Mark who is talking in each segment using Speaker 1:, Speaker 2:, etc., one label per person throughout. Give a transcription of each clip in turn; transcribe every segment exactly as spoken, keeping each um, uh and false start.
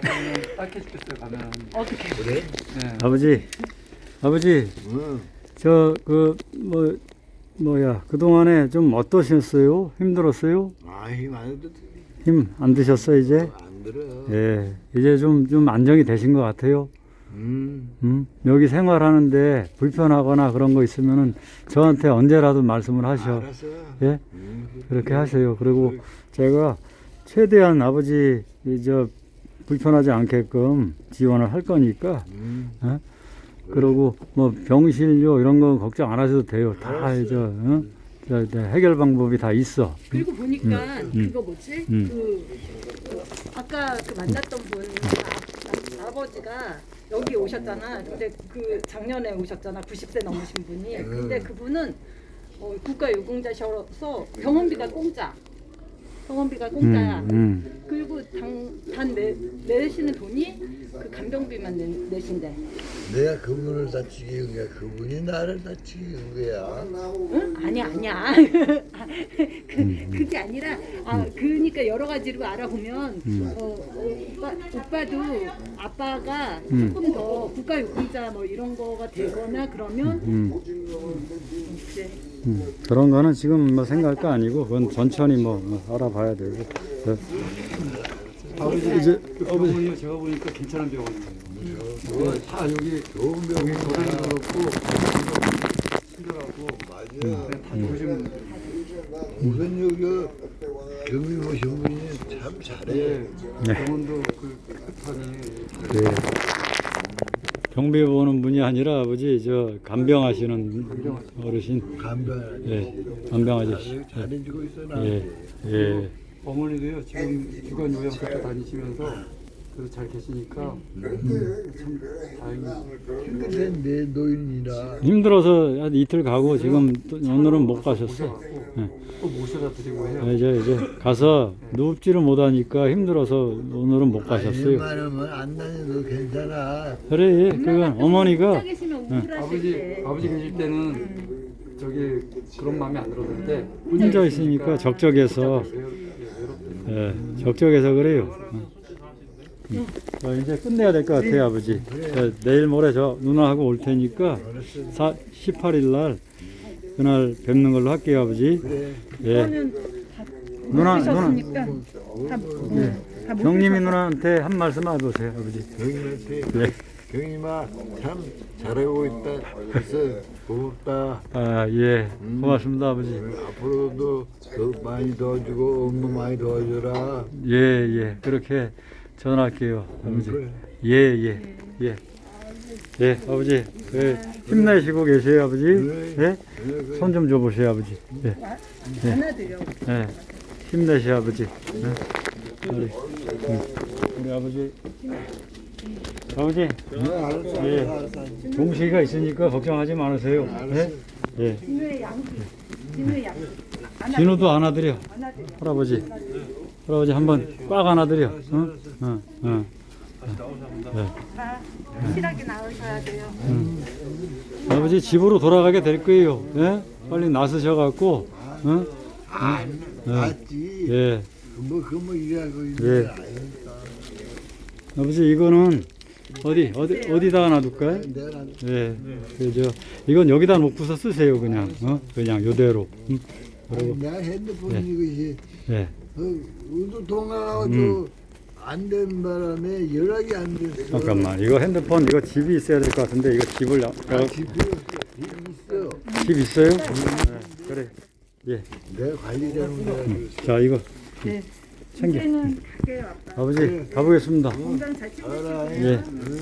Speaker 1: 딱히 죽겠어요 가면.
Speaker 2: 어떻게?
Speaker 3: 그래?
Speaker 1: 네.
Speaker 4: 아버지, 아버지,
Speaker 3: 응.
Speaker 4: 저 그 뭐 뭐야 그 동안에 좀 어떠셨어요? 힘들었어요?
Speaker 3: 아, 힘안 해도
Speaker 4: 힘 안 드셨어요 이제?
Speaker 3: 안 들어.
Speaker 4: 예, 이제 좀 좀 안정이 되신 것 같아요.
Speaker 3: 음.
Speaker 4: 음, 여기 생활하는데 불편하거나 그런 거 있으면은 저한테 언제라도 말씀을 하셔.
Speaker 3: 알았어.
Speaker 4: 예,
Speaker 3: 음,
Speaker 4: 그렇게 하세요. 그리고 제가 최대한 아버지 이 저 불편하지 않게끔 지원을 할 거니까.
Speaker 3: 음.
Speaker 4: 어? 그리고 뭐 병실료 이런 거 걱정 안 하셔도 돼요. 다 이제 어? 저, 저 해결 방법이 다 있어.
Speaker 2: 그리고 보니까
Speaker 4: 음.
Speaker 2: 그거 뭐지?
Speaker 4: 음.
Speaker 2: 그, 그 아까 그 만났던 분 아, 아버지가 여기 오셨잖아. 근데 그 작년에 오셨잖아. 구십 세 넘으신 분이. 근데 그분은 어, 국가유공자셔서 병원비가 공짜. 병원비가 공짜야.
Speaker 4: 음, 음.
Speaker 2: 그리고 당, 단 내, 내시는 돈이 그 간병비만 내, 내신대.
Speaker 3: 내가 그분을 다치게 한 거야. 그분이 나를 다치게 한 거야.
Speaker 2: 응? 아니야, 아니야. 그, 그게 아니라, 아, 그러니까 여러 가지로 알아보면, 어, 어, 오빠, 오빠도 아빠가 조금 더 국가유공자 뭐 이런 거가 되거나 그러면,
Speaker 4: 음.
Speaker 2: 그래.
Speaker 4: 음, 그런 거는 지금 뭐 생각할 거 아니고 그건 천천히 뭐, 뭐 알아봐야 되고. 네.
Speaker 1: 아버지
Speaker 4: 이제
Speaker 1: 그 병원이요 제가 보니까 괜찮은 병원이에요. 네, 다 여기
Speaker 3: 좋은 병이
Speaker 1: 고생도 그렇고 친절하고
Speaker 3: 맞아.
Speaker 1: 네, 다 좋으신
Speaker 3: 우선 여기 경비 모신 분이 참 잘해.
Speaker 1: 예,
Speaker 4: 네.
Speaker 1: 병원도 그 깨끗하니
Speaker 4: 네. 경비 보는 분이 아니라 아버지 저 간병하시는 어르신.
Speaker 3: 간병.
Speaker 4: 예, 간병 아저씨.
Speaker 3: 잘해주고 있어 나.
Speaker 4: 예, 예.
Speaker 1: 어머니도요 지금 주간 요양 그쪽 다니시면서 그래도 잘 계시니까 참 다행이에요.
Speaker 3: 근데 내 노인이라.
Speaker 4: 힘들어서 한 이틀 가고 지금 또 오늘은 못 가셨어. 예.
Speaker 1: 또 모셔다 드리고 해요.
Speaker 4: 이제 이제 가서 눕지를 못하니까 힘들어서 오늘은 못 가셨어요.
Speaker 3: 웬만하면 안 다녀도 괜찮아.
Speaker 4: 그래, 그건 어머니가
Speaker 2: 혼자 계시면 우울하실
Speaker 1: 아버지
Speaker 2: 때.
Speaker 1: 아버지 계실 때는 저기 그런 마음이 안 들었는데
Speaker 4: 혼자 있으니까 적적해서
Speaker 1: 외롭, 예, 외롭.
Speaker 4: 예, 적적해서 그래요. 어. 음. 자, 이제 끝내야 될 것 같아요, 아버지. 자, 내일 모레 저 누나하고 올 테니까 사, 십팔 일 날 그날 뵙는 걸로 할게요, 아버지.
Speaker 3: 그래.
Speaker 4: 예.
Speaker 2: 그거는 다
Speaker 4: 누나, 누나,
Speaker 2: 보셨으니까 다, 응, 다
Speaker 4: 경님이 누나한테 한 말씀 해보세요, 아버지.
Speaker 3: 경님한테
Speaker 4: 예.
Speaker 3: 경님아 참 잘하고 있다. 그래서 고맙다.
Speaker 4: 아, 예. 고맙습니다, 아버지.
Speaker 3: 앞으로도 더 많이 도와주고 업무 많이 도와줘라.
Speaker 4: 예, 예. 그렇게 전할게요, 아버지.
Speaker 3: 그래.
Speaker 4: 예, 예, 예. 예, 아버지. 예, 힘내시고 계세요, 아버지. 예? 손 좀 줘보세요, 아버지. 예,
Speaker 2: 안아드려.
Speaker 4: 예. 힘내세요, 아버지. 예. 우리, 음, 우리 아버지. 아버지. 예. 동식이가 있으니까 걱정하지 마세요. 예? 예.
Speaker 2: 진우의 양, 진우의 양.
Speaker 4: 진우도 안아드려.
Speaker 2: 안아드려.
Speaker 4: 할아버지. 할아버지 한번 꽉 안아드려. 어? 어, 어.
Speaker 2: 다 확실하게 나으셔야 돼요.
Speaker 4: 아버지 집으로 돌아가게 될 거예요. 예? 빨리 나서셔갖고, 어?
Speaker 3: 아, 맞지.
Speaker 4: 예.
Speaker 3: 뭐, 그뭐 일하고 있는
Speaker 4: 예.
Speaker 3: 게 아니니까.
Speaker 4: 아버지 이거는 어디 어디 어디다 놔둘까요?
Speaker 3: 내가 난
Speaker 4: 예. 그죠. 이건 여기다 놓고서 쓰세요 그냥. 어? 그냥 요대로. 음. 그리고
Speaker 3: 내가 핸드폰
Speaker 4: 예.
Speaker 3: 이것이
Speaker 4: 예.
Speaker 3: 어, 운동 통화가지고 안 된 바람에 연락이 안 됐어.
Speaker 4: 잠깐만. 이거 핸드폰 이거 집이 있어야 될 것 같은데 이거 집을 나,
Speaker 3: 아, 집이 있어.
Speaker 4: 집 있어요? 예. 그래. 예.
Speaker 3: 내가 관리 잘못해가지고.
Speaker 4: 자 이거
Speaker 2: 네.
Speaker 4: 챙겨.
Speaker 2: 이제는 갈게요, 아빠.
Speaker 4: 아버지 가보겠습니다.
Speaker 2: 건강 잘 챙기시고.
Speaker 4: 예.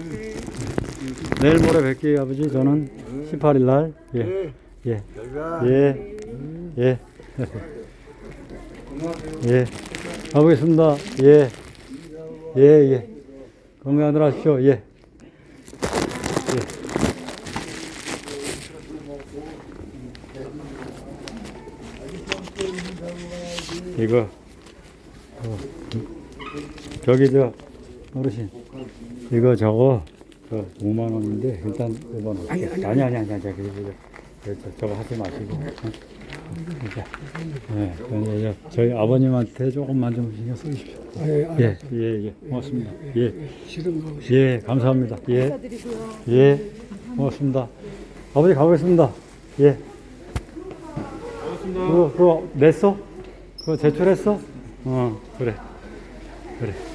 Speaker 4: 내일 모레 뵐게요 아버지. 저는 십팔 일 날. 예.
Speaker 3: 네.
Speaker 4: 예.
Speaker 3: 내가
Speaker 4: 예. 예. 예. 가보겠습니다. 예. 예, 예. 건강들 하십시오. 예. 예. 이거, 어, 저기 저, 어르신, 이거 저거, 저 오만 원인데, 일단 이번 아니, 아니, 아니, 아니, 아니, 저기, 저기, 저, 저, 저거 하지 마시고, 어? 이제, 예, 그러니까 이제 저희 아버님한테 조금만 좀 신경 써주십시오.
Speaker 3: 아, 예,
Speaker 4: 예,
Speaker 3: 알았어.
Speaker 4: 예, 예, 고맙습니다. 예,
Speaker 3: 싫은 거.
Speaker 4: 예, 감사합니다. 예,
Speaker 2: 감사드리고요.
Speaker 4: 예, 고맙습니다. 아버지 가보겠습니다. 예. 그거, 그거 냈어? 그거 제출했어? 어, 그래. 그래.